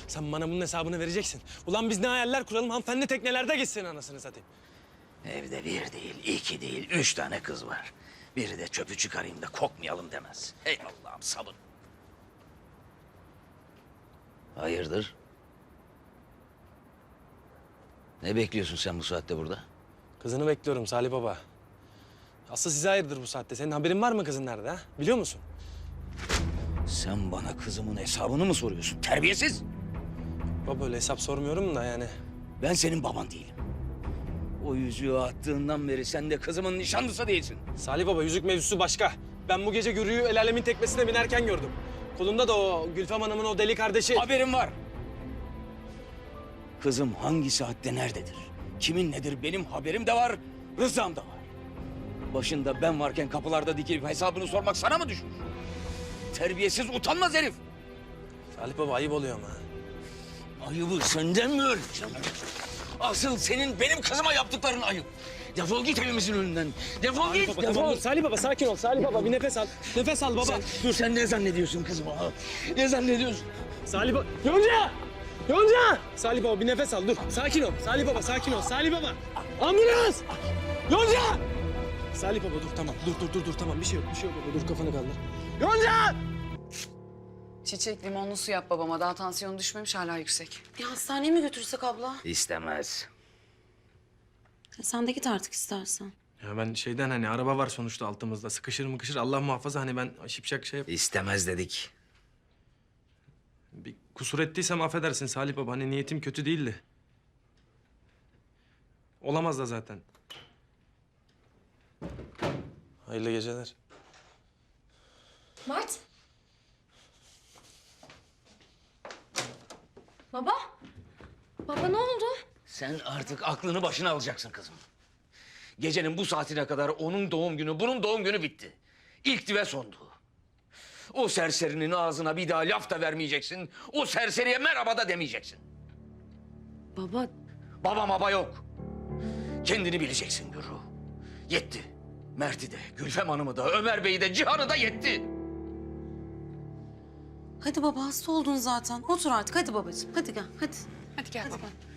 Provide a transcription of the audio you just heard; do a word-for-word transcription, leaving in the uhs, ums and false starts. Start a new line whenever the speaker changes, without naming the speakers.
Sen bana bunun hesabını vereceksin. Ulan biz ne hayaller kuralım, hanımefendi teknelerde gitsin anasını satayım.
Evde bir değil, iki değil, üç tane kız var. Biri de çöpü çıkarayım da kokmayalım demez. Hey Allah'ım sabır. Hayırdır? Ne bekliyorsun sen bu saatte burada?
Kızını bekliyorum Salih Baba. Asıl size hayırdır bu saatte. Senin haberin var mı kızın nerede ha? Biliyor musun?
Sen bana kızımın hesabını mı soruyorsun? Terbiyesiz!
Baba öyle hesap sormuyorum da yani.
Ben senin baban değilim. O yüzüğü attığından beri sen de kızımın nişanlısı değilsin.
Salih Baba yüzük mevzusu başka. Ben bu gece Gürü'yü el alemin teknesine binerken gördüm. Kolunda da o Gülfem Hanım'ın o deli kardeşi.
Haberim var. Kızım hangi saatte nerededir? Kimin nedir benim haberim de var, rızam da var. Başında ben varken kapılarda dikilip hesabını sormak sana mı düşmüş? Terbiyesiz, utanmaz herif.
Salih Baba ayıp oluyor ama.
Ayıbı senden mi öğreneceğim? Asıl senin benim kızıma yaptıkların ayıp. Defol git evimizin önünden. Defol git,
Baba,
defol.
tamam, dur. Salih Baba sakin ol. Salih Baba bir nefes al. Nefes al baba.
Sen, dur sen ne zannediyorsun kızıma? ha? Ne zannediyorsun?
Salih Baba. Yonca! Yonca! Salih Baba bir nefes al dur. Sakin ol. Salih Baba sakin ol. Salih Baba. Ambulans! Yonca! Salih Baba dur tamam. Dur dur dur dur tamam. Bir şey yok. Bir şey yok baba. Dur kafanı kaldır. Yonca!
Çiçek limonlu su yap babama. Daha tansiyonu düşmemiş, hala yüksek.
Bir hastaneye mi götürsek abla?
İstemez.
Sen de git artık istersen.
Ya ben şeyden hani araba var sonuçta altımızda. Sıkışır mıkışır Allah muhafaza hani ben şipşak şey yap.
İstemez dedik.
Bir kusur ettiysem affedersin Salih Baba. Hani niyetim kötü değildi. Olamaz da zaten. Hayırlı geceler.
Mert. Baba. Baba ne oldu?
Sen artık aklını başına alacaksın kızım. Gecenin bu saatine kadar onun doğum günü, bunun doğum günü bitti. İlkti ve sondu. O serserinin ağzına bir daha laf da vermeyeceksin. O serseriye merhaba da demeyeceksin.
Baba
Baba baba yok. Kendini bileceksin Gürü. Yetti. Mert'i de, Gülfem Hanım'ı da, Ömer Bey'i de, Cihan'ı da yetti.
hadi baba hasta oldun zaten. Otur artık hadi babacığım. Hadi gel hadi.
Hadi gel
Hadi
baba.
gel.